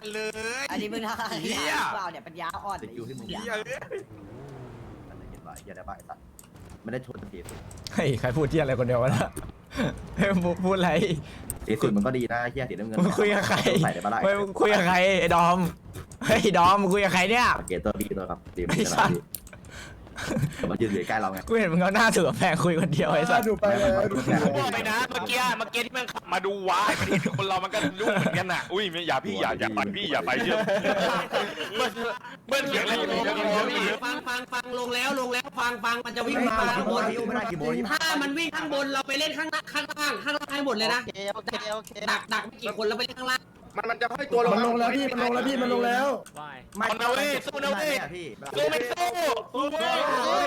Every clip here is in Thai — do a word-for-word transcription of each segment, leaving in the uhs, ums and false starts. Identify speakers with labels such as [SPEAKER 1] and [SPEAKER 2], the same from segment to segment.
[SPEAKER 1] เลยอันนี้มึงทำอะไรเปล่าเนี่ยปัญญาอ่อนอยู่ที่มึงอย่าเลยอะไรเห็นว่าอย่าได้บ้าไอ้สัตว์ไม่ได้ชนสีสุด
[SPEAKER 2] เฮ้ยใครพูดที่อะไรคนเดียววะนะเฮ้ยพูดอะไร
[SPEAKER 1] สีสุดมันก็ดีนะเฮียสีน้ำเงิน
[SPEAKER 2] คุยกับใครไม่คุยกับใครไอ้ดอมเฮ้ยดอมคุยกับใครเนี่ย
[SPEAKER 1] เกตตัวบีตัวครับดีมันจะดีมายืนอยู่ใกล้เราไง
[SPEAKER 2] กูเห็นมึงเอาหน้าถือแพงคุยคนเดียวไอ้สัส
[SPEAKER 3] ดูไปเลยดู
[SPEAKER 4] ไปนะเมื่อกี้เมื่อกี้ที่มันขับมาดูว้ามันเห็นคนเรามันก็ยุ่งเหมือนกันน่ะอุ้ยอย่าพี่อย่าอย่าไปพี่อย่าไปเชื่อเบิ้ลเบิ้ลเสียงอะไรอยู่
[SPEAKER 5] ฟังฟังฟังลงแล้วลงแล้วฟังฟังมันจะวิ่งมาข้างบนถ้ามันวิ่งข้างบนเราไปเล่นข้างข้างล่างข้างล่างให้หมดเลยนะดักดักไม่กี่คนแล้วไปเล่นข้างล่าง
[SPEAKER 4] มันมันจะให้ตัวลง
[SPEAKER 3] มันลงแล้วพี่มันลงแล้วพี่มันลงแล้ว
[SPEAKER 4] มันเอาเว้ยสู้นะเว้ยสู้ไม่สู้สู้เว้ย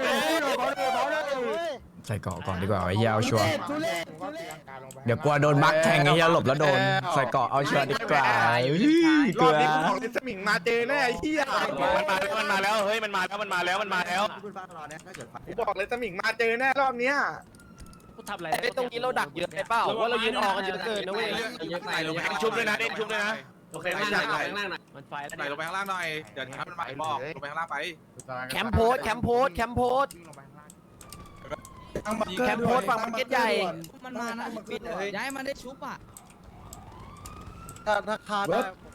[SPEAKER 2] ใส่เกาะก่อนดีกว่าไอ้เหี้ยเอาชัวร์เดี๋ยวกลัวโดนบักแทงไอ้เหี้ยหลบแล้วโดนใส่เกาะเอาชัวร์ดีกว่าร
[SPEAKER 4] อบนี้ของสมิงมาเจอแน่ไอ้เหี้ยมันมาแล้วมันมาแล้วเฮ้ยมันมาแล้วมันมาแล้วมันมาแล้วบอกเลยสมิงมาเจอแน่รอบเนี้ย
[SPEAKER 5] ทำอะไรไอ้ตรงนี้เราดักเยอะไปเปล่าว่าเรายืนออกกันเยอะเกินนะเว้ย
[SPEAKER 4] ชุบเลยนะเด่นชุบเลยนะ
[SPEAKER 5] โอเคไม่ใช่ข้างล่างหน่อย
[SPEAKER 4] มันไฟแล้วไหนลงไปข้างล่างหน่อยเดี๋ยวถ้ามันไหวบอกลงไปข้างล่างไป
[SPEAKER 5] แคมป์โพสแคมป์โพสแคมป์โพสแคมป์โพสฝั่งมาร์เก็ตใหญ่
[SPEAKER 6] มันมานะย้ายมันได้ชุบอ่ะ
[SPEAKER 3] ถ้าถ้าคาด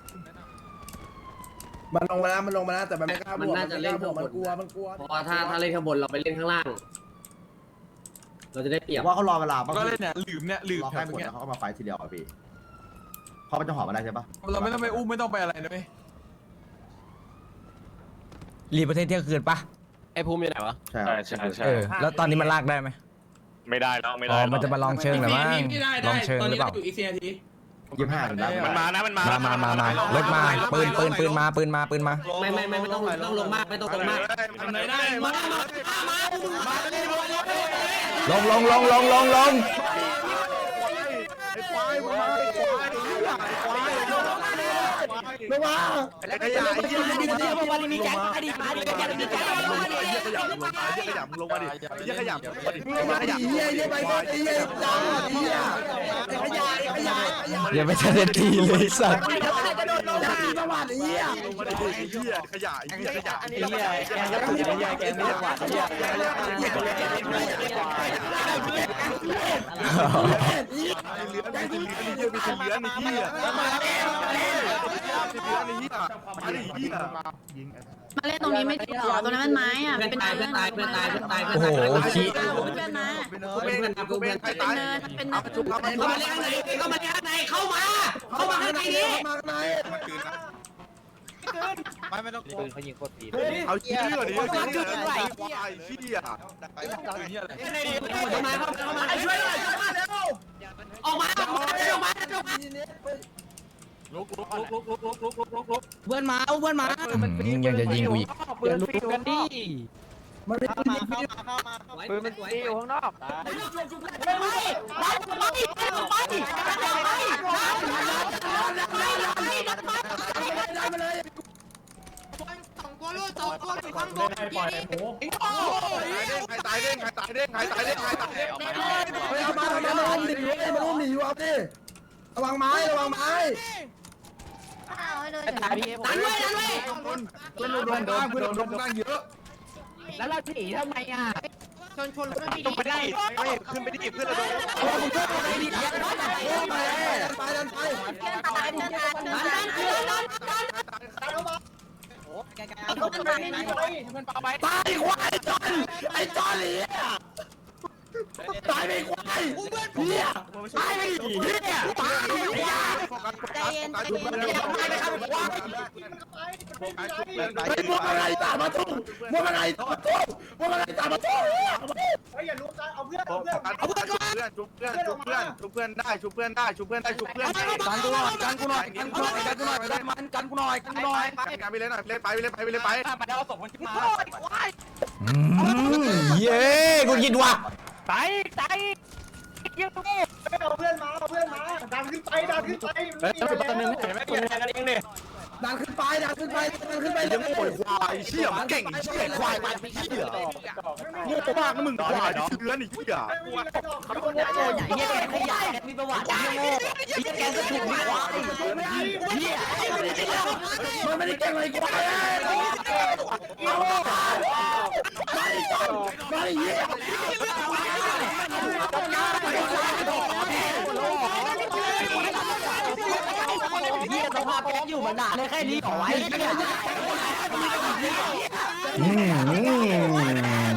[SPEAKER 3] มันลงมาแล้วมันลงมาแล้วแต่มันไม่กล้าบวก
[SPEAKER 5] มันน่าจะเล่นข้างบน
[SPEAKER 3] มันกลัวมันกลัว
[SPEAKER 5] เพราะว่าถ้าถ้าเล่นข้างบนเราไปเล่นข้างล่างเราจะได้เปรียบ
[SPEAKER 1] ว่าเขารอเวลา
[SPEAKER 4] ก็เล่นเนี่ยลืมเนี่ยลืม
[SPEAKER 1] แค่หมดแล้วเขามาไฟทีเดียวอ่ะพี่เพราะมันจะหอมมาได้ใช่ปะ
[SPEAKER 4] เราไม่ต้องไปอุ้มไม่ต้องไปอะไรนะเว้ย
[SPEAKER 2] รีประเทศเที่ยงคืนปะ
[SPEAKER 5] ไอ้ภูมิอยู่ไหนวะ
[SPEAKER 1] ใช่
[SPEAKER 4] ใช่ใช่
[SPEAKER 2] แล้วตอนนี้มันลากได้ไหม
[SPEAKER 4] ไม่ได้แล้วไม่ได้
[SPEAKER 2] มันจะมาลองเชิงหรือมั้งลองเชิงหรือเปล่า
[SPEAKER 1] ยี่ห้ามันได้
[SPEAKER 4] มันมานะมันมา
[SPEAKER 2] มามามามารถมาปืนปืนปืนมาปืนมาปืนมา
[SPEAKER 5] ไม่ไม่ไม่ไม่ต้องต้องลงมากไม่ต้องลงมาก
[SPEAKER 4] ไหนได้มามามา
[SPEAKER 2] ลงลงลงลงลงลง
[SPEAKER 4] ไอ้ควายมาไอ้ควายไอ้ควาย
[SPEAKER 3] ลงมา
[SPEAKER 4] ไอ้ขยะไอ้เหี้ยลงมาดิ
[SPEAKER 5] วันนี้มีแก๊งมาดิมาดิแก๊งมีแก๊ง
[SPEAKER 4] ลงมาดิไอ้เหี้ยขยะลงมาไอ้เหี้ยขยะลงมาดิไอ้เหี้ยขยะลงมาดิ
[SPEAKER 3] ลงมาดิเหี้ยเหี้ยไปก่อนไอ้เหี้ยจ้าไอ้เหี้ยไอ้ขยะไอ้ขยะ
[SPEAKER 2] อย่าไปทันทีเลยสัตว์
[SPEAKER 3] จะโดนลงมาประวัติไอ้เหี้ย
[SPEAKER 4] ลงมาดิไอ้เหี้ยขยะไอ้เหี้ยขยะไอ้เหี้ยแกงก็ถูกไอ้เหี้ยแกงไม่ได้หวานไอ้เหี้ยเหลือไอ้เหี้ยมีเหลือไอ้เหี้ยมีเหลือไอ้เหี้ยมีเหลือไอ้เหี้ย
[SPEAKER 7] มาเล่นตรงนี้ไม่ดีหรอตรงนั้นมันไม้อ่ะ
[SPEAKER 5] เป็นตายเป็นตายเป็นตายเป็นตาย
[SPEAKER 2] โอ้โหขี้
[SPEAKER 7] เพื่อนมา
[SPEAKER 5] เป็นกูเป็น
[SPEAKER 7] เป็นเนินเป็นเนิน
[SPEAKER 5] เข้ามาเล่นข้างในเข้ามาเล่นข้างในเข้ามาเข้ามาข้างในนี้
[SPEAKER 4] ไม่ไม่ต้องปืนเขายิงโคตรดีเอาเชี่ยดิเอาเชี่ยไอ้เชี่ย
[SPEAKER 5] เข้ามาเข้ามาช่วยหน่อยช่วยมาเร็วออกมาออกมาออกมาออกมา
[SPEAKER 4] ลุกลุกลุกลุกลุกลุกลุกลุกลุก
[SPEAKER 6] เพื่อนมาเพื่อนมา
[SPEAKER 2] ยังจะยิงกูอีก
[SPEAKER 5] เดี๋ยวลุกกันดิ
[SPEAKER 3] มันเข้ามา
[SPEAKER 5] เข้ามาเข้ามาปืนมันตีอยู่ข้างนอก
[SPEAKER 4] ใครตายเด้งใครตายเด้งใครตายเด้งใครตายเด้ง
[SPEAKER 3] เอามาเอามาเอาหนีเว้ยมันต้องหนีเอาดิระวังไม้ระวังไม้
[SPEAKER 5] ตายพี่ดันไว้ดันไว้
[SPEAKER 4] เพื่อนโดนโดนเพื่อนโดนตั้งเยอะ
[SPEAKER 5] แล้วเราหนีทำไมอ่ะชนชนรถ
[SPEAKER 4] ต้องไปได้ไม่ขึ้นไปดิเพื่อนเราโดน
[SPEAKER 3] ไปดิดันไปดันไป
[SPEAKER 7] ตายเดินตายเดินตายเดินตายเดินตาย
[SPEAKER 3] ตายควายจอนไอ้จอนเหลี่ยตายไปควายเฮียตายไปเฮียตายเฮีย
[SPEAKER 7] ใจเย็นใจเย็น
[SPEAKER 3] ไอ้พวกอะไรตามมาทุ่งพวกอะไรตามมาทุ่งพวกอะไรตามมาทุ่ง
[SPEAKER 4] ไอ้อย่ารู้ใจเอาเพื่อนเอาเพื่อนเอาเพื่อนก่อนชุบเพื่อนชุบเพื่อนชุบเพื่อนได้ชุบเพื่อนได้ชุบเพื่อนได้ชุบเพื่อนกันกูหน่อยกันกูหน่อยกันกูหน่อยกันกูหน่อยได้มันกันกูหน่อยกันกูหน่อยกันไปเลยหน่อยไปเลยไปเลยไปเลยไปมาได้เอาศพมันขึ้นมา
[SPEAKER 2] เย้กูยินว่ะ
[SPEAKER 5] ตายตายยิงตรงนี้
[SPEAKER 4] เอาเพื่อนมาเอาเพื่อนมาดันขึ้นไปดันขึ้นไป
[SPEAKER 5] แล้วจะเป็นหนึ่งเห็นไหมคนแทงกันเองเนี่ย
[SPEAKER 3] ดันขึ้นไปดันขึ้นไปดันขึ้นไป
[SPEAKER 4] ยังโง่ควายเชี่ยเก่งเชี่ยควายมันเชี่ยโง่มากนะมึงควายเชื้อนี่เชี่ย
[SPEAKER 5] เขาคนใหญ่ใหญ่เฮียแกขยายมีประวัติเฮียโง่เฮียแกจะถูกมีควายเฮีย
[SPEAKER 3] มันไม่ได้เก่งเลยกูไปเอาไปไปเหี้ย
[SPEAKER 1] เฮียสภาพแก๊งอยู่มานานเลยแค่นี้ขอไว้เนี่ย
[SPEAKER 2] อืมอืม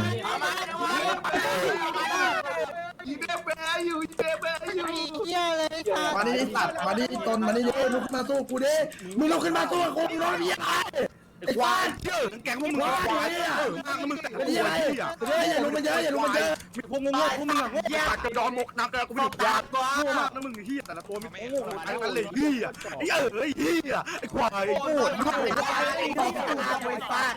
[SPEAKER 4] อีเบเบอยู่อีเบเบอยู่
[SPEAKER 7] เยอะเลยค่ะ
[SPEAKER 3] มาดิสัตว์มาดิตนมาดิลุกขึ้นมาสู้กูดิมึงลุกขึ้นมาสู้กูมึงร้อนพี่อะไรไอ้ควาย
[SPEAKER 4] เชื่อแกงพวกมึงควายอ่ะมึงแต่ง
[SPEAKER 3] ไอ้เหี้ยอย่าลุกมาเยอะอย่าลุกมาเยอะ
[SPEAKER 4] มีพวกงงพวกมึงอ่ะแยกจะดอนหมกน้ำแต่กูไม่ถูกยาโง่มากนะมึงเฮียแต่ละตัวมีโง่ไอ้กันเลยเฮียไอ้เอ๋ยเฮียไอ้ควายไอ้โง่ไอ้ควายไอ้ควาย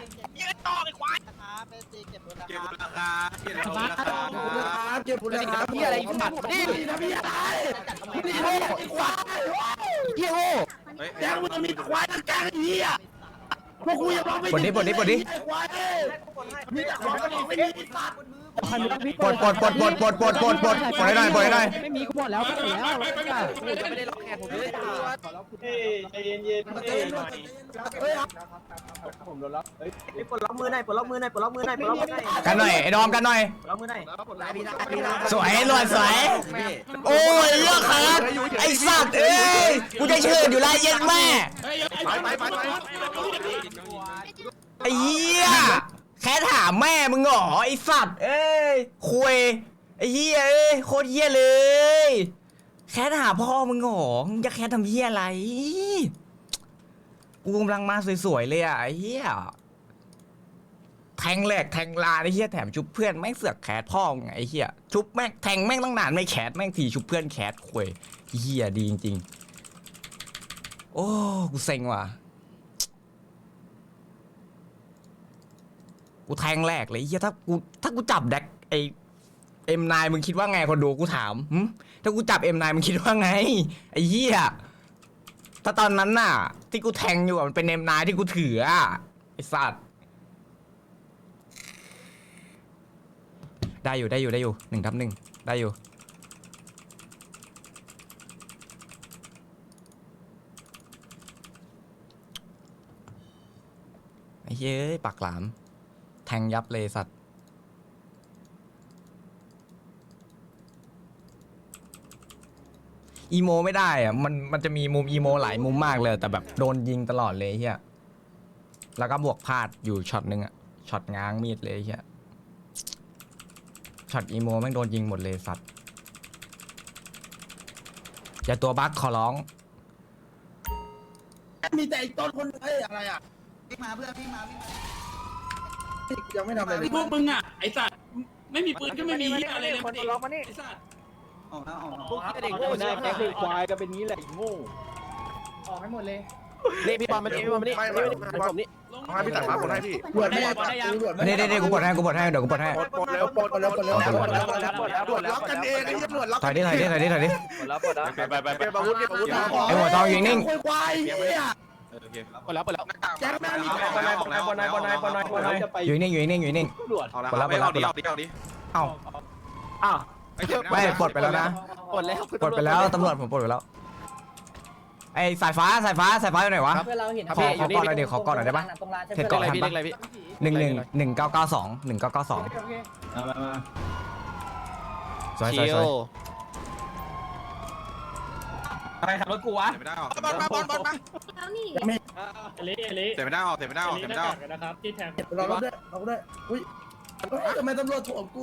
[SPEAKER 8] เก็บราคาเก็บราคา
[SPEAKER 3] เก็บผลงานพี่อะไรสัตว์นี่นะพี่อะไรนี่โง่ไอ้ควายเหี้ยโง่แกงมึงมีควายทั้งแกงไอ้เหี้ยพวกกูยังร้องไม่
[SPEAKER 2] ปลดดิปลดดิปลดดิ
[SPEAKER 3] ไอ้ควายมีแต่ของมันไม่มีสัตว์
[SPEAKER 2] ปลดปลดปลดปลดปลดปลดปลดปลดปลดให้หน่อยปลดให้หน่อย
[SPEAKER 6] ไม่มีกูหมดแล้วกูหมดแล้ว
[SPEAKER 1] ไม่ได้ล็อกแขนผมเลย
[SPEAKER 6] ปลดล็อกมือหน่อยปลดล็อกมือหน่อยปลดล็อกมือหน่อยปลดล็อกมือหน่อย
[SPEAKER 2] กันหน่อยไอ้ดอมกันหน่อย
[SPEAKER 6] ปลดล็อกมือหน่อย
[SPEAKER 2] สวยหลวดสวยโอ้ยเลือกครับไอ้สัตว์เอ้ยกูจะเชิญอยู่แล้วเย็นแม่
[SPEAKER 4] ไปไปไปไป
[SPEAKER 2] ไอ้เหี้ยแค่ถามแม่มึงเหรอไอ้สัตว์เอ้ยคุยไอ้เหี้ยเอ้ยโคตรเหี้ยเลยแค่ถามพ่อมึงเหรอมึงจะแค่ทำเหี้ยอะไรกูกำลังมาสวยๆเลยอ่ะไอ้เหี้ยแทงแหลกแทงลาไอ้เหี้ยแถมชุบเพื่อนแม่งเสือกแคสพ่อมึงไงไอ้เหี้ยชุบแม่งแทงแม่งตั้งนานไม่แคสแม่งทีชุบเพื่อนแคสคุยเหี้ยดีจริงๆโอ้กูเซ็งว่ะกูแทงแรกเลยเฮียถ้ากูถ้ากูจับแดกไอเอ็มนายมึงคิดว่าไงคนดูกูถามหึถ้ากูจับเอ็มนายมึงคิดว่าไงไอ้เหี้ยถ้าตอนนั้นน่ะที่กูแทงอยู่มันเป็นเอ็มนายที่กูถืออ่ะไอ้สัตว์ได้อยู่ได้อยู่ได้อยู่หนึ่งทับหนึ่งได้อยู่ไอ้เฮ้ยปากหลามแทงยับเลยสัตว์อีโมไม่ได้อะมันมันจะมีมุมอีโมหลายมุมมากเลยแต่แบบโดนยิงตลอดเลยเฮียแล้วก็บวกพลาดอยู่ช็อตนึงอะช็อตง้างมีดเลยเฮียช็อตอีโมแม่งโดนยิงหมดเลยสัตว์อย่าตัวบั๊กขอร้อง
[SPEAKER 3] มีแต่ไอ้ต้นคนไอ้อะไรอ่ะ
[SPEAKER 1] พี่มาเพื่อนพี่มาพี่มา
[SPEAKER 3] ยังไม่ทำอะไรเลย
[SPEAKER 9] พวกมึงอ่ะไอ้สัตว์ไม่มีปืนก็ไม่มีเหี้ยอะไรเลยคนล็อกมานี่ไอ้สัตว์
[SPEAKER 1] ออกนะออกนะ
[SPEAKER 6] พวกเด็กโง่ใช่ไหมเด็กควายก็เป็นงี้แหละโง่ออกให้หมดเลย
[SPEAKER 3] นี่พี่บอลมานี่พี่บอลมานี่
[SPEAKER 4] ไม่ไม่ผมนี่ให้พี่ตัดมาคนให้พี่
[SPEAKER 3] ปวดไม่ได้ปวดปวดไม่
[SPEAKER 2] เด้
[SPEAKER 3] ได้
[SPEAKER 2] เด้เด้กูปลดให้กูปลดให้เดี๋ยวกูปลดให้
[SPEAKER 4] ปลดปลดแล้วปลดปลดแล้วปลดแล้วปลดแล้วปลดแล้วปลดแล้วปลดแล้วกันเองไอ้เหี้ยปลดแล้ว
[SPEAKER 2] ถอยดิถอยดิถอยดิถอยดิ
[SPEAKER 8] ไปไปไปไป
[SPEAKER 4] เก็บอาวุธเก็บอาวุธ
[SPEAKER 2] ไอ้หัวทองยิงนิ่ง
[SPEAKER 3] ควายเหี้ย
[SPEAKER 8] โอเค
[SPEAKER 3] ปวดแล้วปวดแล้วแจ็คแม่งมี
[SPEAKER 8] บอลนายบอลนายบอลนายบอลนายบอลนายบอลนาย
[SPEAKER 2] อยู่นิ่งอยู่นิ่งอยู่นิ่ง
[SPEAKER 8] เอาละไม่เอาดิเอาดิเอาดิ
[SPEAKER 2] เอ้า
[SPEAKER 6] อ้าว
[SPEAKER 2] ไม่ปลดไปแล้วนะ
[SPEAKER 6] ปลดแล้ว
[SPEAKER 2] ปลดไปแล้วตำรวจผมปลดไปแล้วไอ้สายฟ้าสายฟ้าสายฟ้าอยู่ไหนวะ
[SPEAKER 6] เพื่อนเราเห็น
[SPEAKER 2] ขอขอกอดหน่อยเดี๋ยวขอกอดหน่อยได้ปะเทรดเกาะทันปะหนึ่งหนึ่งหนึ่งเก้าเก้าสองหนึ่งเก้าเก้าสองสวยสวยสวย
[SPEAKER 6] อะไรขับรถกูวะ
[SPEAKER 8] เตะไม่ได้ออกบอลมาบอลบอลมา
[SPEAKER 7] แล้วนี่
[SPEAKER 6] เละเละ
[SPEAKER 8] เตะไม่ได้ออกเตะไม่ได้ออกเตะไม่ได้ออก
[SPEAKER 6] นะครับที่แทง
[SPEAKER 3] เราเราด้วยเราด้วยอุ้ยทำไมตำรวจถ่วงกู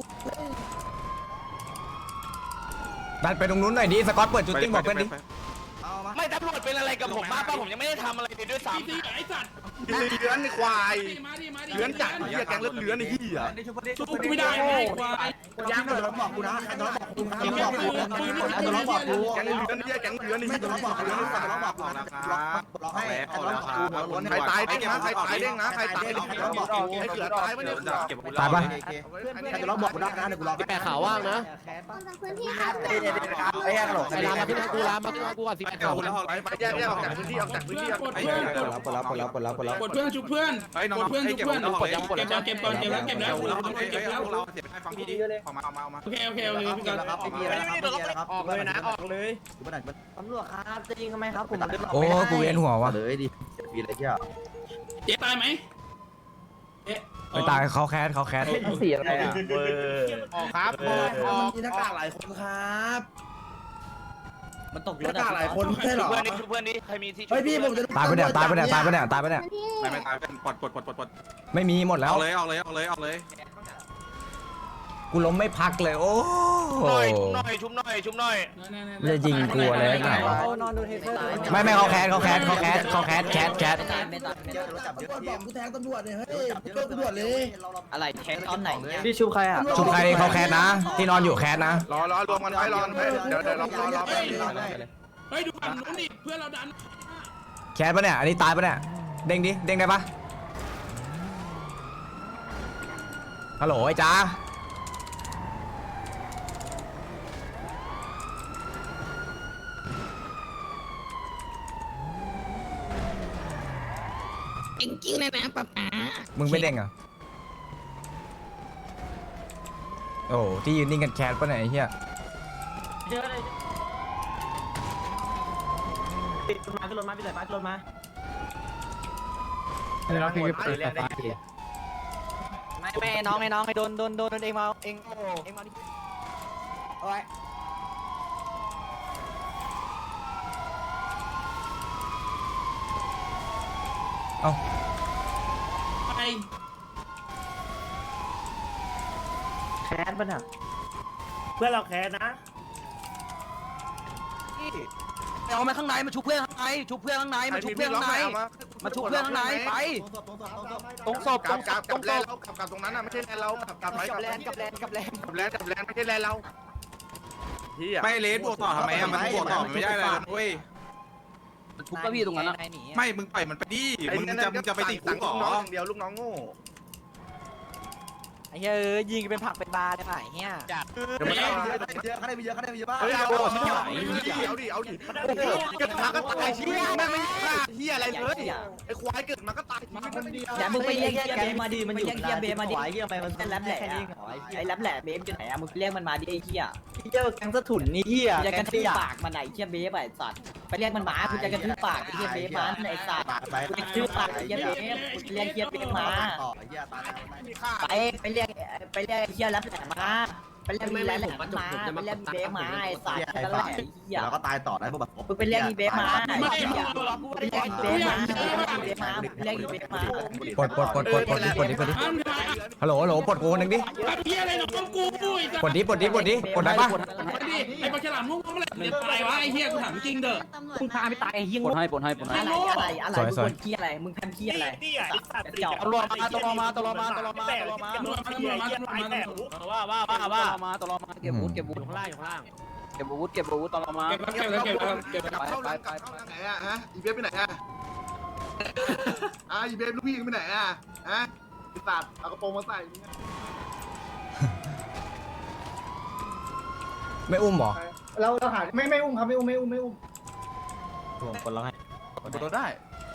[SPEAKER 2] ดันไปตรงนู้นหน่อยดิสกอตเปิดจุดติ้งบอกเพื่อนดิ
[SPEAKER 1] เอามา
[SPEAKER 6] ไม่ตำรวจเป็นอะไรกับผมบ้างป่ะผมยังไม่ได้ทำอะไรเลยด้วยซ้
[SPEAKER 9] ตีตีไอ้สัตว์
[SPEAKER 4] เลื้อนไอ้ควาย
[SPEAKER 9] มาดิมาดิ
[SPEAKER 4] เลื้อนจัดเหี้ยแกงเลือดเลื้อนไอ้เหี้ย
[SPEAKER 9] สู้กูไม่ได้ไอ้ควาย
[SPEAKER 3] ยางโดนบอกกูนะใครโดนบอกกูใครโดนบอกกูใครโดนบอกกู
[SPEAKER 4] แกงเลื้อนไอ้เหี้ยแกงเลื้อนไอ้เหี้ย
[SPEAKER 3] โดนบอกกูโดนบอกกู
[SPEAKER 8] ออกนะครับออกแล้วออกแล้วครับ
[SPEAKER 4] ใครตายเด้งนะใครตายเด้งนะใครตายเด้งใครบอกใครเสือตายไม่ได้
[SPEAKER 8] เก็บอาวุธ
[SPEAKER 2] ตายปะ
[SPEAKER 3] ใครจะร้องบอกกูได้นะเดี๋ยวกูรอแปะขาวว่างนะ
[SPEAKER 7] พื้นที่ครับ
[SPEAKER 1] ไอ้ยังหลง
[SPEAKER 3] ใครลามาขึ้นกูลามาขึ้นกูก่อนสิแปะ
[SPEAKER 8] เก็บ
[SPEAKER 3] ขาว
[SPEAKER 8] อาวุธแล้วออก
[SPEAKER 4] ไปไปแยกแยกออกจากพื้นที่ออกจากพื้นที่
[SPEAKER 9] กดเพื่อนกด
[SPEAKER 3] ปลดแล้วปลดแล้วปลดแล้วปลดแล้วปลดแล้ว
[SPEAKER 9] กดเพื่อนชุบเพื่อน
[SPEAKER 8] เฮ้ยน้อง
[SPEAKER 9] กดเพื่อน
[SPEAKER 8] ให้
[SPEAKER 9] ชุบ
[SPEAKER 8] เก็บ
[SPEAKER 9] เพื่อน
[SPEAKER 8] อาวุธแล้ว
[SPEAKER 9] เก็บแล้วเก็บก่อนเก็บแล้วเก็บแล้ว
[SPEAKER 8] เรา
[SPEAKER 9] เก็บแล้ว
[SPEAKER 8] เราเสียไปฟังพี่ดิออกมาออกมาออกมา
[SPEAKER 9] โอเคโอเคโอเคพี่กัน
[SPEAKER 1] ครับไม่มีแล้วครับไม่มีแล้วครับ
[SPEAKER 6] ำออกเลยนะออกเลย
[SPEAKER 1] ตำรวจครับจะยิงทำไมครับผม
[SPEAKER 2] โอ้กูเวียนหัวว่ะ
[SPEAKER 1] เลยดิเสียปีเลยที่อ่ะ
[SPEAKER 9] เจ๊ตายไหม
[SPEAKER 2] ไปตายเขาแคสเขาแคส
[SPEAKER 3] สีอะไรอ่ะ
[SPEAKER 4] ออกครับออกออก
[SPEAKER 3] มีหน้ากากหลายคนครับ
[SPEAKER 1] มันตก
[SPEAKER 3] ห
[SPEAKER 1] รถ
[SPEAKER 3] น้ากากหลายคนไม่ใช่หรอ
[SPEAKER 4] เพื่อนนี้เพื่อนนี้ใครมีที่
[SPEAKER 3] เฮ้ยพี่ผมจะ
[SPEAKER 2] ตายไปเนี่ยตายไปเนี่ยตายไปเนี่ยตายไปเนี่ย
[SPEAKER 7] พื้นที่
[SPEAKER 8] ไม่ไม่ตายเป็นปลดปลดปลดปลดปลด
[SPEAKER 2] ไม่มีหมดแล้ว
[SPEAKER 8] เอาเลยเอาเลยเอาเลยเอาเลย
[SPEAKER 2] กูล้มไม่พักเลยโอ้
[SPEAKER 4] หน่อยหน่อยชุบหน่อยชุบหน่อย
[SPEAKER 2] ไม่จะยิงกูอะไรไหนไม่ไม่เขาแคสเขาแคสเขาแคสเขาแคสแคสแคส
[SPEAKER 1] ไม่ตายไม่ตายไม่ตาย
[SPEAKER 3] ตำรวจบอกกูแทงตำรวจเลยเฮ้ยเจอตำรวจเลย
[SPEAKER 1] อะไรแทงตอนไหนเนี่ย
[SPEAKER 3] พี่ชูใครอ่ะ
[SPEAKER 2] ชุบใครเขาแคสนะ ที่นอนอยู่แคสนะ
[SPEAKER 4] รอรอรวมกันไว้รอกันไว้เดี๋ยวเดี๋ยวรอรอรอไป
[SPEAKER 9] เฮ้ยดูฝั่งนู้นดิเพื่อนเราดัน
[SPEAKER 2] แคสปะเนี่ยอันนี้ตายปะเนี่ยเด้งดิเด้งได้ปะฮัลโหลไอ้จ้า
[SPEAKER 7] จริงๆเลยนะป๊าป๊า
[SPEAKER 2] มึงไม่เด้งเหรอโอ้ที่ยืนนิ่งกันแคสปะเนี่ยไอ้เหี้ย
[SPEAKER 3] มาขึ้นรถมาพี่สายฟ้าขึ้นรถมา
[SPEAKER 4] เราคือเปิดไฟ
[SPEAKER 1] ไม่ไม่น้องไอ้น้องไอ้โดนโดนโดนเองมาเองเองมาดิโอ้ย
[SPEAKER 2] เอ้า
[SPEAKER 9] ไป
[SPEAKER 3] แคสป่ะเนี่ยเพื่อนเราแคสนะ
[SPEAKER 1] เอามาข้างในมาชุบเพื่อนข้างในชุบเพื่อนข้างในมาชุบเพื่อนข้างในมาชุบเพื่อนข้างในไป
[SPEAKER 4] ตรงศพกับกับกับแลนเรากับกับตรงนั้นอ่ะไม่ใช่แลนเรากับกับไว้
[SPEAKER 1] กับแลนกับแลนกับแลน
[SPEAKER 4] กับแลนกับแลนไม่ใช่แลนเราพี่อ่ะ
[SPEAKER 8] ไม่เลสบวกต่อทำไมอะมันบวกต่อไม่ได้เลยเว้ย
[SPEAKER 1] ชุบก็พี่ตรงนั้น
[SPEAKER 8] ไม่มึงปล่อยมันไปดิมึงจะมึงจะไปติดคุกหรอ
[SPEAKER 4] เดียวลูกน้องโง่
[SPEAKER 1] ไอ้เฮ้ยยิงเป็นผักเป็นบาได้ไหมเฮีย
[SPEAKER 4] เดี๋ยวมัน
[SPEAKER 1] เยอะเขาได้เยอะเขาได้เยอะบ้าง
[SPEAKER 4] เฮ้ยเอาเอาดิเอาดิโอ้โหเกิดมาก็ตายชีวิตแม่งไม่ฆ่าเฮียอะไรเลยไอ้ควายเกิดมาก็ตายชีวิตคนเดียว
[SPEAKER 1] อย่ามึงไปเรียกเฮียเบมาดิมันอยู่เฮียเบมาดิเฮียไปมันเป็นแรปแหล่ไอ้แรปแหล่เบมอยู่ไหนอะมึงเรียกมันมาดิไอ้เฮีย
[SPEAKER 3] เจอแกงสะถุนนี่เฮีย
[SPEAKER 1] จะกระทืบปากมันไหนเฮียเบฟไอ้สัตว์ไปเรียกมันมาคุณจะกระทืบปากเฮียเบฟมันไอ้สัตว์กระทืบปากเฮียเบฟเรียกเฮียเบฟมาไปไปเรียกไปเรียกเฮียแรปแหล่มาไปเรียกมีแรปแหล่มาไปเรียกมีเบฟมาไอ้สัตว์นั่นแหละเฮีย
[SPEAKER 6] แล้วก็ตายต่อได้พวกแบบ
[SPEAKER 1] มึงไปเรียกมีเบฟมาไอ้เฮียไปเรียกมีเบฟมาเบฟมาเรียกมีเบฟมา
[SPEAKER 2] ปลดปลดปลดปลดปลดดิปลดดิปลดดิฮัลโหลฮัลโหลปลดกูคนหนึ่งดิ
[SPEAKER 9] ไอ้เหี้ยอะไรน้องกูปุ้ย
[SPEAKER 2] ปลดดิปลดดิปลดดิปลดได้ปะ
[SPEAKER 9] ไอ้ปลาฉลามงงๆอะไรเนี่ยตายวะไอ้เหี้ยกูถามจริงเด้อ
[SPEAKER 7] ตำรวจ
[SPEAKER 1] มึงพาไปตายไอ้เฮีย
[SPEAKER 3] ปนให้ปนให้ปนให้
[SPEAKER 1] อะไรอะไรอะไรมึงคนเฮียอะไรมึงทำเฮียอะไรเจาะ
[SPEAKER 3] ตำรวจมาตำรวจมาตำรวจมาตำรวจมาตำรวจมา
[SPEAKER 9] ตำรวจมาตำรวจมาตำรวจมา
[SPEAKER 3] ว่าว่าว่าว่ามาตำรวจมาเก็บวุฒิเก็บวุฒิข้างล่างอยู่ข้างล่างเก็บวุฒิเก็บวุฒิตำรวจมา
[SPEAKER 9] เก็บเก็บเก็บเก็บ
[SPEAKER 4] เข้าหลังเข้าหลังไหนอ่ะฮะอีเบฟไปไหนอ่ะอ่ะอีเบฟลูกพี่ไปไหนอ่ะฮะตัดเอากระโปรงมาใส่
[SPEAKER 2] ไม่อุ้มหรอ
[SPEAKER 6] เราเราหาไม่ไม่อุ้มครับไม่อุ้มไม่อุ้มไม่อุ้ม
[SPEAKER 3] คนร้องให้
[SPEAKER 4] บนรถได้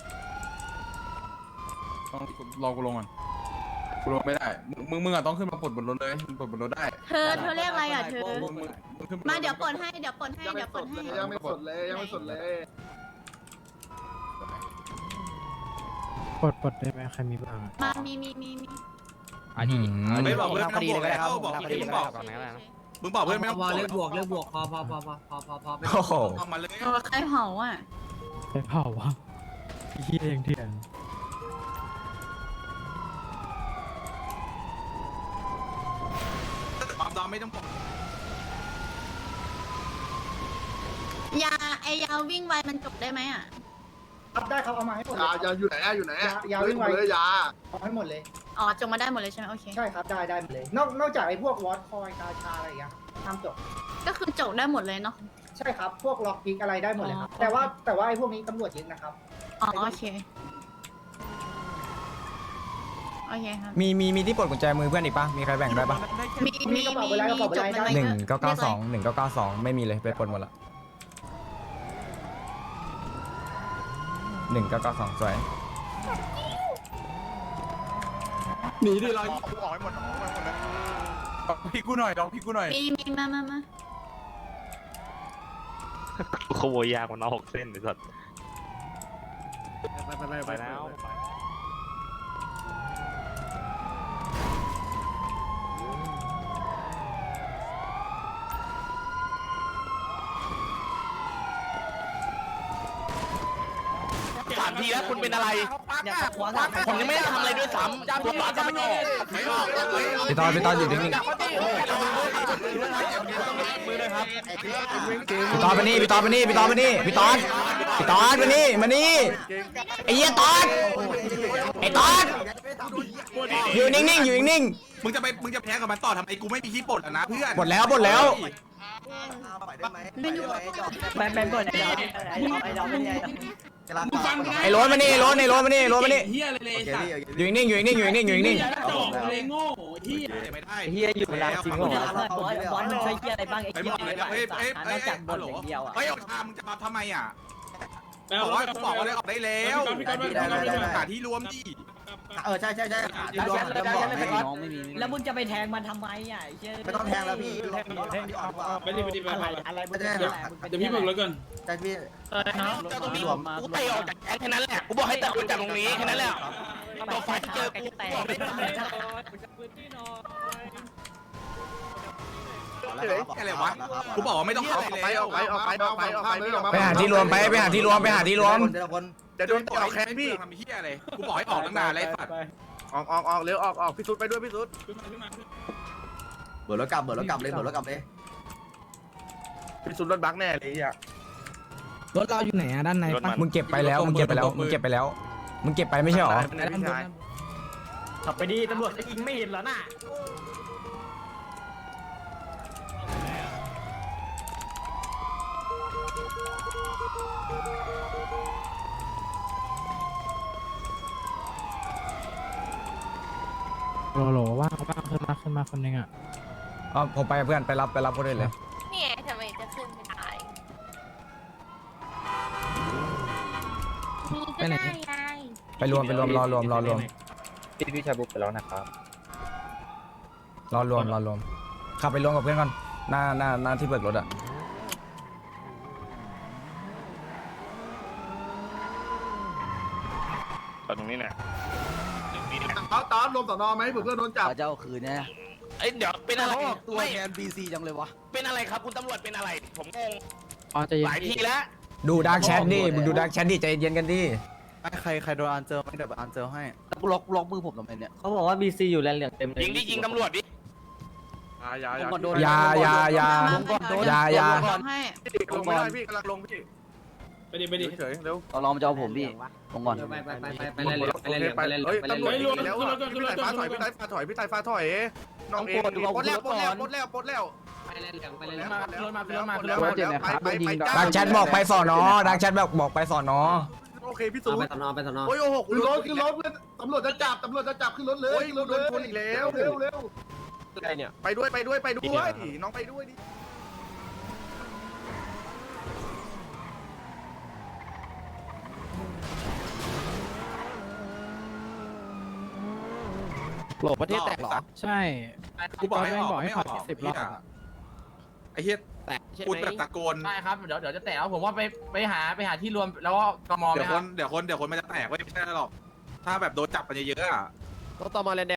[SPEAKER 8] ต้องรอกูลงก่อนกูลงไม่ได้มึงมึงอะต้องขึ้นมาปลดบนรถเลยปลดบนรถได้
[SPEAKER 7] เธอเธอเรียกอะไรอ่ะเธอ
[SPEAKER 8] มึงมึงมึงขึ้น
[SPEAKER 7] มาเดี๋ยวปลดให้เดี๋ยวปลดให้เดี๋ยวปลดให้
[SPEAKER 4] ยังไม่สดเลยยังไม่สดเลย
[SPEAKER 10] ปลดปลดได้ไหมใครมีบ้าง
[SPEAKER 7] มามีมีมีมี
[SPEAKER 2] อันนี้
[SPEAKER 8] ไม่บอกเพื่อนไม่ต้องบวกแล้วบอกมึงบอกมึงบอกเพื่อนไม่ต้องบ
[SPEAKER 5] พ
[SPEAKER 8] ว
[SPEAKER 5] อก เลิ
[SPEAKER 8] แล้
[SPEAKER 5] กบวกเลิกบวกพอพอพอพอพอพอพอ
[SPEAKER 2] โอ้โห
[SPEAKER 8] เอามาเลย
[SPEAKER 7] เออใครเผาอ่ะ
[SPEAKER 10] ไปเผาวะเฮียยังเถื่อน
[SPEAKER 8] ความดอมไม่ต้องบอก
[SPEAKER 7] ยาไอยาวิ่งไวมันจบได้ไหมอ่ะ
[SPEAKER 6] รับได้ครับเอามาให้หมด
[SPEAKER 4] ยา
[SPEAKER 6] เลย
[SPEAKER 4] ยาอยู่ไหนอ่ะอยู่ไหนอ่ะ
[SPEAKER 6] ยาวิ่งไว
[SPEAKER 4] เลยยา
[SPEAKER 6] เอาให้หมดเลย
[SPEAKER 7] อ๋อจบมาได้หมดเลยใช่ไหมโอเค
[SPEAKER 6] ใช่ครับได้ได้หมดเลย นอกนอกจากไอ้พวกวอตคอยกาชาอะไรอย่างเงี้ยห้ามจบ
[SPEAKER 7] ก็คือจบได้หมดเลยเนาะ
[SPEAKER 6] ใช่ครับพวกล็อกพิกอะไรได้หมดเลยครับ
[SPEAKER 7] อ๋อ
[SPEAKER 6] แต่ว่าแต่ว่าไอ้พวกนี้ตำรวจยึดนะครับ
[SPEAKER 7] อ๋อโอเคโอเคครับ
[SPEAKER 2] มีมีมีที่ปลดกุญแจมือเพื่อนอีกปะมีใครแบ่งได้ปะ
[SPEAKER 7] มีมีมีมีจบมัน
[SPEAKER 2] หนึ่งเก้าเก้าสองหนึ่งเก้าเก้าสองไม่มีเลยไปปลดหมดละหนึ่งเก้าเก้าสองสวย
[SPEAKER 8] หนีดิเราออกให้หมดออกให้หมดนะพี่กูหน่อยลองพี่กูหน่อย
[SPEAKER 7] มีมีมามามา
[SPEAKER 10] ขโมยยางมันเอาหกเส้นไอ้สัตว์
[SPEAKER 3] ไปไปไปไปแล้วามทีแล้วคุณเป็นอะไร
[SPEAKER 1] เนี่ยขวาถาม
[SPEAKER 3] ผมยังไม่ได้ทำอะไรด้วยซ้ำผมอาจจะไม่ออก
[SPEAKER 4] ไม่ออกเลย
[SPEAKER 2] พี่ตอนพี่ตอนอยู่นิ่งๆ
[SPEAKER 3] มือเลยครับ
[SPEAKER 2] พี่ตอนมานี่พี่ตอนมานี่พี่ตอนมานี่พี่ตอนพี่ตอนมานี่มานี่ไอ้เหี้ยตอนไอ้ตอนอยู่นิ่งๆอยู่นิ่ง
[SPEAKER 8] มึงจะไปมึงจะแพ้กับมันต่อทำไมกูไม่มีที่ปลดนะเพื่อน
[SPEAKER 2] ๆหมดแล้วหมดแล้ว
[SPEAKER 1] ไปไปเปิดไอ้ดอกไอ้ดอกไอ้ดอกไม่ได้
[SPEAKER 9] มึงฟังกูนะ
[SPEAKER 2] ไอ้โรถมานี่ไอ้โรถไอ้โรถมานี่ไอ้โรถมานี่
[SPEAKER 9] เฮียอะไรเลยสัตว์
[SPEAKER 2] อยู่นิ่งๆอยู่นิ่งๆอยู่นิ่งๆอยู่นิ่ง
[SPEAKER 9] เฮียกระจอกเลยโง่เฮีย
[SPEAKER 8] ไม่ได้
[SPEAKER 6] เฮียอยู่แล้วจริงเหร
[SPEAKER 1] กู
[SPEAKER 6] อ
[SPEAKER 1] ถามว่าบอสบอสมันใช้เหี้ยอะไรบ้างไอ้
[SPEAKER 8] ไป
[SPEAKER 1] เหี้
[SPEAKER 8] ห
[SPEAKER 1] ย
[SPEAKER 8] มด
[SPEAKER 1] เบ
[SPEAKER 8] เลย
[SPEAKER 1] ฟ
[SPEAKER 8] เฮ้ย
[SPEAKER 1] อะ
[SPEAKER 8] เฮ้ย
[SPEAKER 1] นอกจากบนอย่างเดียวอ่ะ
[SPEAKER 8] เฮ้ยออกทางมึงจะมาทำไมอ่ะ
[SPEAKER 9] ไป
[SPEAKER 8] บ
[SPEAKER 9] เอา
[SPEAKER 8] อกว่ากูบอกว่าได้ออกได้แล้ว
[SPEAKER 9] พี่ก๊อฟพี่ก๊อฟพี่ก๊อฟพี่ก๊อฟ
[SPEAKER 8] หาที่รวมดิ
[SPEAKER 4] เออใช่ใช่ใช่
[SPEAKER 1] แล้วฉันแล้วฉันเลยน้องไม่มีแล้วมึงจะไปแทงมันทำไมอ่ะไอ้เหี้ย
[SPEAKER 4] ไม่ต้องแทงแล้วพี่
[SPEAKER 9] ไปดิไปดิไป
[SPEAKER 1] อะไร
[SPEAKER 9] ไป
[SPEAKER 1] อะไร
[SPEAKER 4] ไม่ได้
[SPEAKER 9] เดี๋ยวพี่เบิกรถก่อน
[SPEAKER 4] ใช่พี่
[SPEAKER 3] เจ้าตรงนี้กูเตะออกจากแก๊งแค่นั้นแหละกูบอกให้เตะออกจากตรงนี้แค่นั้นแหละตัวไฟเจอกูบอกไม่ได้
[SPEAKER 8] อะไรวะกูบอกว่าไม่ต้องเข้า
[SPEAKER 4] ออกไปออกไปออกไปออกไปออกไปไม่ออกมา
[SPEAKER 2] ๆไปหาที่รวมไปไปหาที่รวมไปหาที่รวม
[SPEAKER 4] เดี๋ยวคนเดี๋ยวโดนต่อแคนพี่
[SPEAKER 8] ทำเฮียอะไรกูบอกให้ออกตั้งนานแล้วสัตว์
[SPEAKER 4] ออกออกออกเร็วออกออกพี่สุดไปด้วยพี่สุด
[SPEAKER 9] ขึ้นมาขึ้นมาขึ้น
[SPEAKER 4] เบิร์ดรถกลับเบิร์ดรถกลับเลยเบิร์ดรถกลับเลยพี่สุดรถบักแน่เลยอ่ะ
[SPEAKER 10] รถเราอยู่ไหนอะด้านในปะ
[SPEAKER 2] มึงเก็บไปแล้วมึงเก็บไปแล้วมึงเก็บไปแล้วมึงเก็บไปไม่ใช่หรอ
[SPEAKER 4] พี่ชาย
[SPEAKER 1] ขับไปดีตำรวจจะยิงไม่เห็นเหรอน่ะ
[SPEAKER 10] โหลโหลว่างว่างขึ้นมาขึ้นมาคนหนึงอะ
[SPEAKER 2] อ๋อผมไปกับเพื่อนไปรับไปรับคนอื่นเลย
[SPEAKER 7] เนี่ยทำไมจะขึ้นไม่ได้มีก็ได้ยาย
[SPEAKER 2] ไปรวมไปรวมรอรวมรอรวม
[SPEAKER 6] พี่พี่ชายบุกไปแล้วนะครับ
[SPEAKER 2] รอรวมรอรวมขับไปรวมกับเพื่อนก่อนหน้าหน้าหน้าที่เบิกรถอะ
[SPEAKER 3] ตรงนี้เนี่ย
[SPEAKER 4] ตอนตอนรวมสอนอไหมเผื่อเพื่อนโดนจับ
[SPEAKER 1] เจ้าคืนเนี่ย
[SPEAKER 3] เอ้ยเดี๋ยวเป็นอะไร
[SPEAKER 1] ตัว
[SPEAKER 3] ไม่
[SPEAKER 1] แทนบีซีจังเลยวะ
[SPEAKER 3] เป็นอะไรครับคุณตำรวจเป็นอะไร ผมงง
[SPEAKER 10] อ๋อใจะ
[SPEAKER 3] หลายทีแล้ว
[SPEAKER 2] ดูดาร์กแชทดิมึงดูดาร์กแชทดิใจเย็นกันดิ
[SPEAKER 6] ใครใครโดนอันเจอไม่เดี๋ยวอันเจอให้
[SPEAKER 1] ล็อกล็อกมือผมทำไมเนี่ยเขาบอกว่าบีซีอยู่แลนเหลืองเต็มเลย
[SPEAKER 3] ยิงดิยิงตำรวจดิ
[SPEAKER 4] อย่าอย่า
[SPEAKER 2] อยาอยาอยาอยาอยา
[SPEAKER 7] ให้
[SPEAKER 4] ลงไม่ได้พี่กำลังลงพี่
[SPEAKER 9] ไปดิไปดิ
[SPEAKER 4] เฉยเร็ว
[SPEAKER 1] ตอนรอมันจะเอาผมพี่ลงก่อน
[SPEAKER 5] ไปไปไปไปไปเล่นเหลืองไปเล่นเหลืองไปเล่นเหลื
[SPEAKER 4] เฮ้
[SPEAKER 5] อย งไปเล่นเห
[SPEAKER 4] ตำร
[SPEAKER 5] ลื
[SPEAKER 4] ว
[SPEAKER 5] อ
[SPEAKER 4] จ
[SPEAKER 5] ง
[SPEAKER 4] แล้วอ่ะพี่ไต่ฟ้าถอยพี่ไต่ฟ้าถอยพี่ไต่ฟ้าถอยน้องเองปลดแล้วปลดแล้วปลดแล้วปลดแล้ว
[SPEAKER 5] ไปเล่นเหลืองไปเล่น
[SPEAKER 4] แล้
[SPEAKER 5] เหลื
[SPEAKER 4] ว
[SPEAKER 5] อง
[SPEAKER 4] มาแล้วมาแล้วมาแล้วไปไป
[SPEAKER 2] ดาร์กแชทบอกไปสอนอดาร์กแชทบอกบอกไปสอนอ
[SPEAKER 4] โอเคพี่
[SPEAKER 5] เอา
[SPEAKER 4] สู
[SPEAKER 5] ไปสนอไปสนอ
[SPEAKER 4] โอ้ยโอ้โหขึ้นรถขึ้นรถตำรวจจะจับตำรวจจะจับขึ้นรถเลยขึ้นรถเลยชนอีกแล้วเร็วเร็วไปด้วยไปด้วยไปด้วยน้องไปด้วยดิ
[SPEAKER 6] โหลประเทศแตกเหรอ
[SPEAKER 10] ใช่
[SPEAKER 8] กูบอกให้ออก
[SPEAKER 10] บอกให้
[SPEAKER 8] ไม่ออก
[SPEAKER 10] ขอสิบรอบ
[SPEAKER 8] ไอ้เฮีย
[SPEAKER 6] แตกใช่
[SPEAKER 8] กู
[SPEAKER 6] ไหม
[SPEAKER 8] แบบตะโกน
[SPEAKER 5] ได้ครับเดี๋ยวเดี๋ยวจะแตะแล้วผมว่าไปไปหาไปหาที่รวมแล้วก็กมไห
[SPEAKER 8] เดี๋
[SPEAKER 5] ม
[SPEAKER 8] ยว
[SPEAKER 5] ค
[SPEAKER 8] ค
[SPEAKER 5] รั
[SPEAKER 8] น
[SPEAKER 5] บ
[SPEAKER 8] เดี๋ยวคนเดี๋ยวคนมันจะแตกเว้ยไม่ใช่หรอกถ้าแบบโดนจับกันเยอะๆอ่ะ
[SPEAKER 6] รถต่อมาแลน